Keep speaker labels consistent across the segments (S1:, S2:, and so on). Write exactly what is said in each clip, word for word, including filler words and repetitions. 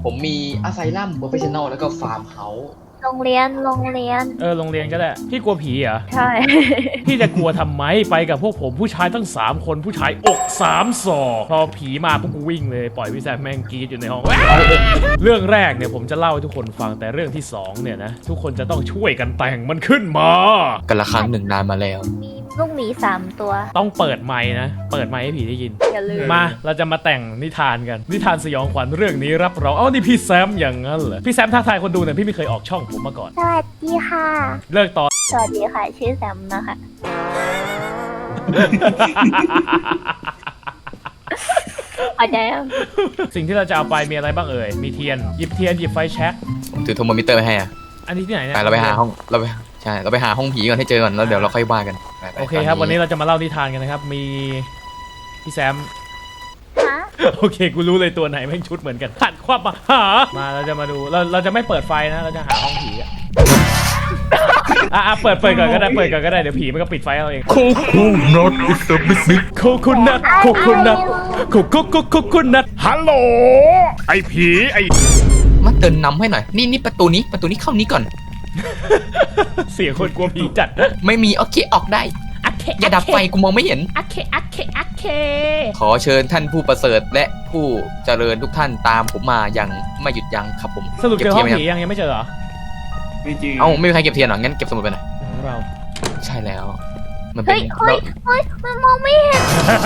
S1: ผมมีอาไซลัมโปรเฟชชั่นอลแล้วก็ฟาร์มเฮาส์
S2: โรงเรียนโรงเรียน
S3: เออโรงเรียนก็ได้พี่กลัวผีเหรอ
S2: ใช่
S3: พี่จะกลัวทำไมไปกับพวกผมผู้ชายตั้งสามคนผู้ชายอกสามศอกพอผีมาพวกกูวิ่งเลยปล่อยพี่แซมแม่งกรีดอยู่ในห้องเรื่องแรกเนี่ยผมจะเล่าให้ทุกคนฟังแต่เรื่องที่สองเนี่ยนะทุกคนจะต้องช่วยกันแต่งมันขึ้นมา
S1: กันละครั้งหนึ่งนานมาแล้ว
S2: มีลูกหมีสามตัว
S3: ต้องเปิดไมค์นะเปิดไมค์ให้ผีได้ยิน
S2: อย่าลืม
S3: มาเราจะมาแต่งนิทานกันนิทานสยองขวัญเรื่องนี้รับรองเอ้านี่พี่แซมอย่างนั้นเหรอพี่แซมทักทายคนดูหน่อยพี่ไม่เคยออกช่องผมมาก่อน
S2: สวัสดีค่ะ
S3: เลิกตอน
S2: สวัสดีค่ะชื่อแซมนะคะอาจารย์
S3: สิ่งที่เราจะเอาไปมีอะไรบ้างเอ่ยมีเทียนหยิบเทียนหยิบไฟแช็ก
S1: ผมถือโทรโมมิเตอร์ไปให้อ่ะ
S3: อันนี้ที่ไหนเนี่ย
S1: ไปเราไปหาห้องเราไปใช่เราไปหาห้องผีก่อนให้เจอก่อนแล้วเดี๋ยวเราค่อยว่ากัน
S3: โอเคครับวันนี้เราจะมาเล่านิทานกันนะครับมีพี่แซมโอเคกูรู้เลยตัวไหนแม่งชุดเหมือนกันขัดความมาหามาเราจะมาดูเราเราจะไม่เปิดไฟนะเราจะหาห้องผีอ่ะอ่ะเปิดเปิดก่อนก็ได้เปิดก่อนก็ได้เดี๋ยวผีมันก็ปิดไฟเอาเอง
S1: โคคูนัทอิสบิบิ
S3: โคคูนัทโคคูนัทโคโคโคโคคูนัทฮัลโหลไอผีไอ
S1: มาเดินนำให้หน่อยนี่นี่ประตูนี้ประตูนี้เข้านี้ก่อน
S3: เสียงคนกลัวผีจัด
S1: ไม่มีโอเคออกได้อย่าดับไฟกูมองไม่เห็น
S3: โอเคโอเคโอเค
S1: ขอเชิญท่านผู้ประเสริฐและผู้เจริญทุกท่านตามผมมาอย่างไม่หยุดยั้งครับผม
S3: สรุปเจอห้องผียังยังไม่เจอเหรอ
S1: ไม่เจอเอ้าไม่มีใครเก็บเทียนหรองั้นเก็บสมุดไปหน่อย
S3: เรา
S1: ใช่แล้ว
S2: มันเป็นเฮ้ยเฮ้ยมันมองไม่เห็น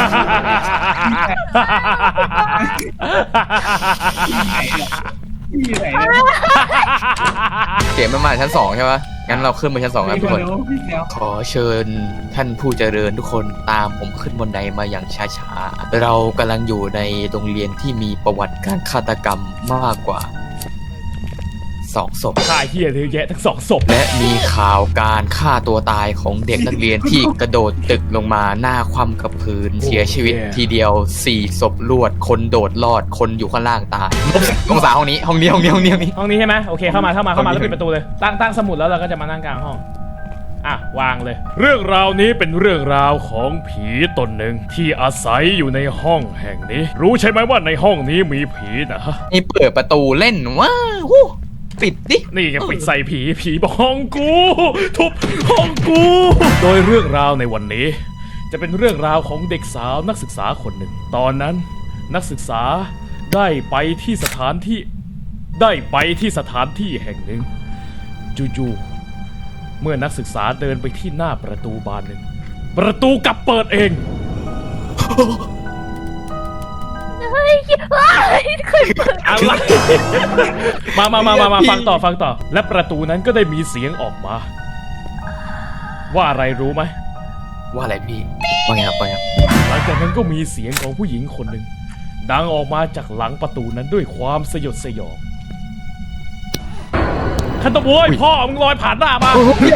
S1: เสียงมันมาชั้นสองใช่ไหมงั้นเราขึ้นไปชั้นสองครับทุกคนขอเชิญท่านผู้เจริญทุกคนตามผมขึ้นบนไดมาอย่างช้าๆเรากำลังอยู่ในโรงเรียนที่มีประวัติการฆาตกรรมมากกว่าสองศพ
S3: ฆ่าเหี้ยเยอะแยะทั้งสองศพ
S1: และมีข่าวการฆ่าตัวตายของเด็กนักเรียนที่กระโดดตึกลงมาหน้าคว่ำกับพื้นเสียชีวิตทีเดียวสี่ศพรวดคนโดดรอดคนอยู่ข้างล่างตายองศาห้องนี้ห้องนี้ห้องนี้ห้องนี้
S3: ห้องนี้ใช่ไหมโอเคเข้ามาเข้ามาเข้ามาแล้วปิดประตูเลยตั้งตั้งสมุดแล้วเราก็จะมานั่งกลางห้องอ่ะวางเลยเรื่องราวนี้เป็นเรื่องราวของผีตนหนึ่งที่อาศัยอยู่ในห้องแห่งนี้รู้ใช่ไหมว่าในห้องนี้มีผีนะ
S1: นี่เปิดประตูเล่นว้าวปิดดิ
S3: นี่ยังปิดใส่ผีผีบอกห้องกูทุบห้องกูโดยเรื่องราวในวันนี้จะเป็นเรื่องราวของเด็กสาวนักศึกษาคนหนึ่งตอนนั้นนักศึกษาได้ไปที่สถานที่ได้ไปที่สถานที่แห่งหนึ่งจู่ๆเมื่อนักศึกษาเดินไปที่หน้าประตูบานหนึ่งประตูกลับเปิดเอง
S2: เฮ้ยเคยเปิด
S3: อะไรมามามามามาฟังต่อฟังต่อและประตูนั้นก็ได้มีเสียงออกมาว่าอะไรรู้ไหม
S1: ว่าอะไรพี่ว่าไงครับว่าไง
S3: หลังจากนั้นก็มีเสียงของผู้หญิงคนหนึ่งดังออกมาจากหลังประตูนั้นด้วยความสยดสยองขันตะโวยพ่อมึงลอยผ่านหน้ามา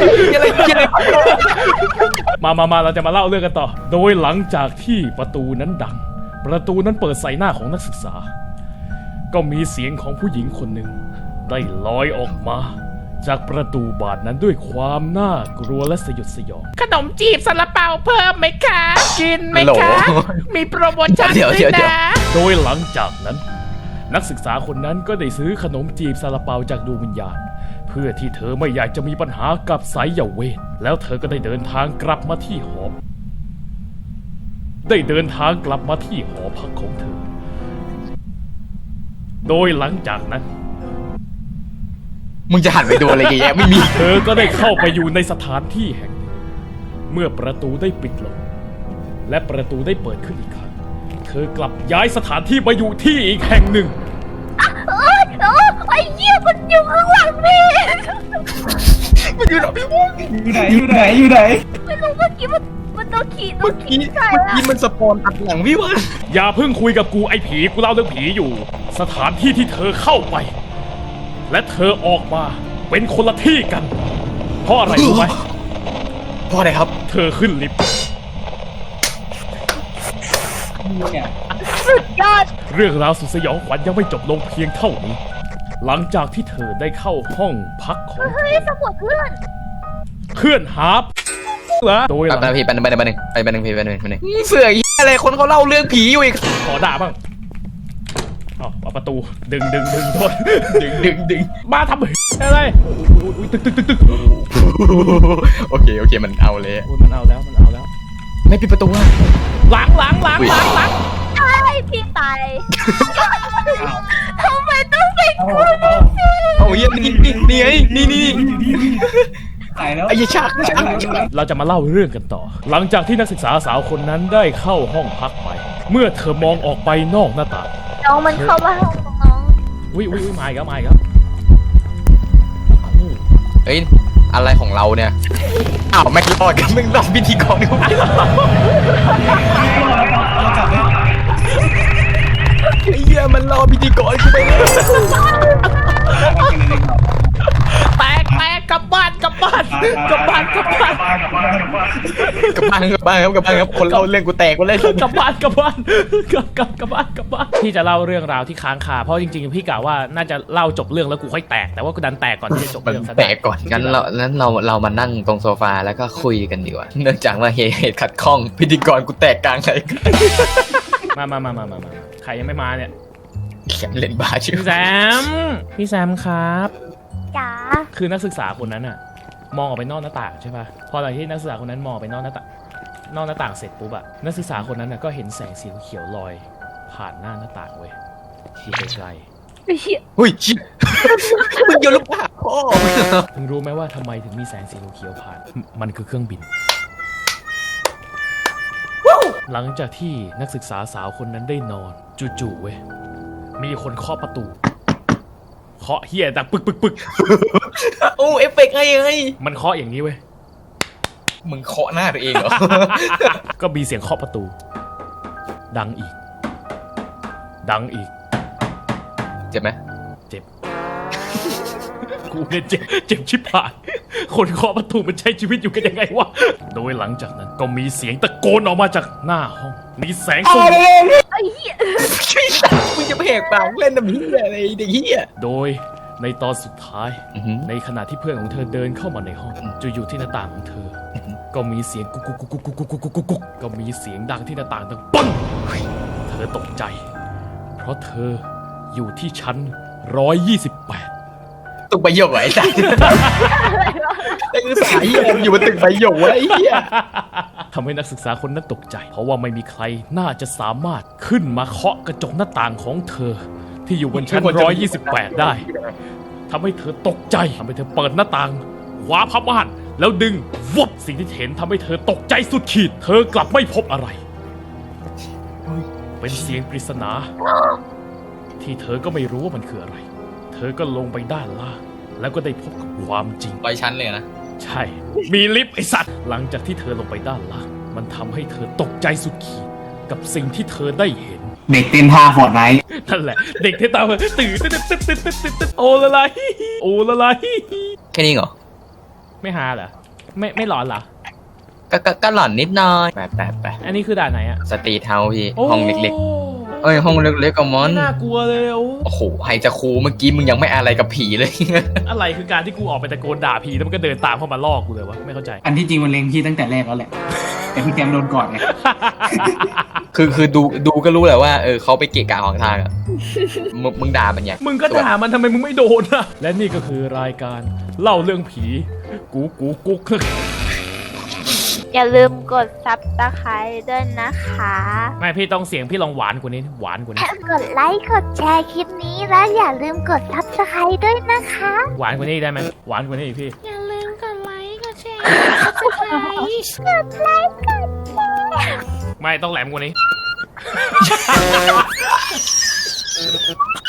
S3: มามามาเราจะมาเล่าเรื่องกันต่อโดยหลังจากที่ประตูนั้นดังประตูนั้นเปิดใส่หน้าของนักศึกษาก็มีเสียงของผู้หญิงคนหนึ่งได้ลอยออกมาจากประตูบานนั้นด้วยความน่ากลัวและสยดสยองขนมจีบซาลาเปาเพิ่มไหมคะกินไหมคะมีโปรโมชั่นด้วยนะโดยหลังจากนั้นนักศึกษาคนนั้นก็ได้ซื้อขนมจีบซาลาเปาจากดวงวิญญาณเพื่อที่เธอไม่อยากจะมีปัญหากับสายเวทแล้วเธอก็ได้เดินทางกลับมาที่หอได้เดินทางกลับมาที่หอพักของเธอโดยหลังจากนั้น
S1: มึงจะหันไปดูอะไรแย่ๆไม่มี
S3: เธอก็ได้เข้าไปอยู่ในสถานที่แห่งหนึ่งเมื่อประตูได้ปิดลงและประตูได้เปิดขึ้นอีกครั้งเธอกลับย้ายสถานที่มาอยู่ที่อีกแห่งหนึ่ง
S2: โอ้ยโอ้ยไอ้เหี้ยมันอยู่ข้างหลังพี่
S1: มันอยู่ไหนพี่วง
S4: อยู่ไหนอยู่ไหนอยู่ไหน
S2: ไม่รู้เมื่อกี้มันมันต้องขี่ต้
S1: องขี่ใช่เมื่อกี้มันสปอนตัดหลังพี่วะ
S3: อย่าเพิ่งคุยกับกูไอ้ผีกูเล่าเรื่องผีอยู่สถานที่ที่เธอเข้าไปและเธอออกมาเป็นคนละที่กันเพราะอะไรรู้ไหม
S1: เพราะอะไรครับ
S3: เธอขึ้นลิฟต์
S2: สุดยอด
S3: เรื่องราวสุดสยองขวัญยังไม่จบลงเพียงเท่านี้หลังจากที่เธอได้เข้าห้องพักของ
S2: เฮ้ยสมุดเพื่อน
S3: เพื่อนหาเหรอโดยหลัง
S1: ไปไปไปไปหนึ่งไปไปหนึ่งไปไปหนึ่งไปหนึ่งเสืออะไรคนเขาเล่าเรื่องผีอยู่อีก
S3: ขอด่าบ้างเอาเอาประตูดึงดึงดึงโทษ
S1: ดึงดึงดึง
S3: มาทำอะไรอุ้ยตึกตึกตึกตึก
S1: โอเคโอเคมันเอาเลย
S3: โอ้ยมันเอาแล้วมันเอาแล้ว
S1: ไม่ปิดประตูอ่ะ
S3: หลังหลังหลังหลังหลัง
S2: ใช่พี่ตายทำไมต้องเป็น
S4: เอา
S2: คน
S4: เอา
S1: เอาเยี่ยนี่นี่นี่ไงนี่นี่
S4: ตายแล้ว
S1: ไอ้ยชักชัก
S3: เราจะมาเล่าเรื่องกันต่อ หลังจากที่นักศึกษาสาวคนนั้นได้เข้าห้องพักไป เมื่อเธอมองออกไปนอกหน้าต่าง
S2: น้องมันเข้ามาห้องน้อง
S3: วิวิวิมาอีกแล้วมาอีกแล้ว
S1: เอ้ยอะไรของเราเนี่ยอ้าวไม่รอดกันมึงรอดพิธีกรกู
S4: เราจับได้
S1: ไอ้เหี้ยมันรอพิธีกรกูไปเลย
S3: แตกแตกกลับบ้านกลับบ้านกลับบ้านกลับบ้าน
S4: กลับบ้านกลับบ้าน
S1: กลับบ้านกลับบ้านครับกลับบ้านครับคนเล่าเรื่องกูแตกกูเล่น
S3: กลับบ้านกลับบ้านกลับกลับกลับบ้านกลับบ้านพี่จะเล่าเรื่องราวที่ค้างคาเพราะจริงๆพี่กะว่าน่าจะเล่าจบเรื่องแล้วกูค่อยแตกแต่ว่ากูดันแตกก่อนที่จะจบ
S1: มัน
S3: เรื่องซะ
S1: แตกก่อนงั้นเรานั้นเราเรามานั่งตรงโซฟาแล้วก็คุยกันดีกว่าเนื่องจากว่าเหตุเหตุขัดข้องพิธีกรกูแตกกลางเลย
S3: มามามามามามาใครยังไม่มาเนี่ย
S1: แขนเล่นบาชื่อ
S3: พี่แซมพี่แซมครับ
S2: จ๋า
S3: คือนักศึกษาคนนั้นอะมองออกไปนอกหน้าต่างใช่ปะพอหลังที่นักศึกษาคนนั้นมองไปนอกหน้าต่างนอกหน้าต่างเสร็จปุ๊บอะนักศึกษาคนนั้นอะก็เห็นแสงสีเขียวลอย ผ่านหน้าหน้าต่างเว้ยอยู่ไกล
S2: ไอ้เหี้ย
S1: เฮ้ยเชี่ยมึงโยนลูกปากพ่อ
S3: ๆมึงรู้ไหมว่าทำไมถึงมีแสงสีเขียวผ่านมมันคือเครื่องบิน หลังจากที่นักศึกษาสาวคนนั้นได้นอนจู่ๆเว้ยมีคนเคาะประตูเคาะเฮียดังปึกปึกปึก
S1: โอ้เอฟเฟกต์ไงไง
S3: มันเคาะอย่างนี้เว้ย
S1: มึงเคาะหน้าตัวเองเหรอ
S3: ก็มีเสียงเคาะประตู ดังอีก ดังอีก
S1: เจ็บไหม
S3: เจ็บ กูเนี่ยเจ็บ เจ็บชิบหาย คนเคาะประตูมันใช้ชีวิตอยู่กันยังไงวะ โดยหลังจากนั้นก็มีเสียงตะโกนออกมาจากหน้าห้อง มีแสงสว่าง
S2: ไอ้เหี้ย
S1: มึงจะไปแหกปากเล่นน้ำเหี้ยอะไรเด็กเหี้ย
S3: โดยในตอนสุดท้าย ในขณะที่เพื่อนของเธอเดินเข้ามาในห้องจู่ๆที่หน้าต่างของเธอ ก็มีเสียงกุกกุกกุกกุกกุกกุกกุกกุกกุกก็มีเสียงดังที่หน้าต่างดังปังเธอตกใจ เพราะเธออยู่ที่ชั้นร้อยยี่สิบแปด
S1: ตึกใบหยกเหรอไอ้สัสไอ้คือสายเหี้ยอยู่บนตึกใบหยกวะไอ้เหี้ย
S3: ทำให้นักศึกษาคนนั้นตกใจ เพราะว่าไม่มีใครน่าจะสามารถขึ้นมาเคาะกระจกหน้าต่างของเธอ ที่อยู่บนชั้นร้อยยี่สิบแปดได้ทำให้เธอตกใจทำให้เธอเปิดหน้าต่างคว้าผ้าม่านแล้วดึงวับสิ่งที่เห็นทำให้เธอตกใจสุดขีด เธอกลับไม่พบอะไร เป็นเสียงปริศนา ที่เธอก็ไม่รู้ว่ามันคืออะไร เธอก็ลงไปด้านล่างแล้วก็ได้พบกับความจริง
S1: ไปชั้นเลยนะ
S3: ใช่ มีลิฟต์ไอสัตว์ หลังจากที่เธอลงไปด้านล่าง มันทำให้เธอตกใจสุดขีดกับสิ่งที่เธอได้เห็น
S4: เด็กเต้นท่าฟอร์ดไนท์
S3: นั่นแหละ เด็กที่ตามมาตื่นตื่นตื่นตื่นตื่นตื่นตื่นโอละไรโอละไร
S1: แค่นี้เหรอ
S3: ไม่หาเหรอ ไม่ไม่หลอนเหรอ
S1: ก็ก็ก็หล่อนนิดหน่อยไปไปไป
S3: อันนี้คือด่านไหนอะ
S1: สตรีทเฮาส์พี่
S3: โอ้
S1: ห้องเล็กๆ เอ้ยห้องเล็กๆกับมอน
S3: ไม่น่ากลัวเลยโอ้
S1: โอ้โหไฮจะครูเมื่อกี้มึงยังไม่อะไรกับผีเลย
S3: อะไรคือการที่กูออกไปตะโกนด่าผีแล้วมันก็เดินตามเข้ามาล่อกูเลยวะ ไม่เข้าใจ
S4: อันที่จริงมันเล็งพี่ตั้งแต่แรกแล้วแหละ แต่พี่แจมโดนก่อนไง
S1: คือคือดูดูก็รู้แหละว่าเออเขาไปเกะกะของทางอะมึงมึงด่ามันอย่าง
S3: มึงก็ด่ามันทำไมมึงไม่โดนอะและนี่ก็คือรายการเล่าเรื่องผี กูกูกุ๊ก
S2: อย่าลืมกดซับสไครต์ด้วยนะคะ
S3: ไม่พี่ต้องเสียงพี่ลองหวานกว่านี้หวานกว่านี้
S2: กดไลค์กดแชร์คลิปนี้แล้วอย่าลืมกดซับสไครต์ด้วยนะคะ
S3: หวานกว่านี้ได้ไหมหวานกว่านี้อีกพี่
S2: อย่าลืมกดไลค์กดแชร์ซับสไครต์กดไลค์กดแชร์
S3: ไม่ต้องแหลมกว่านี้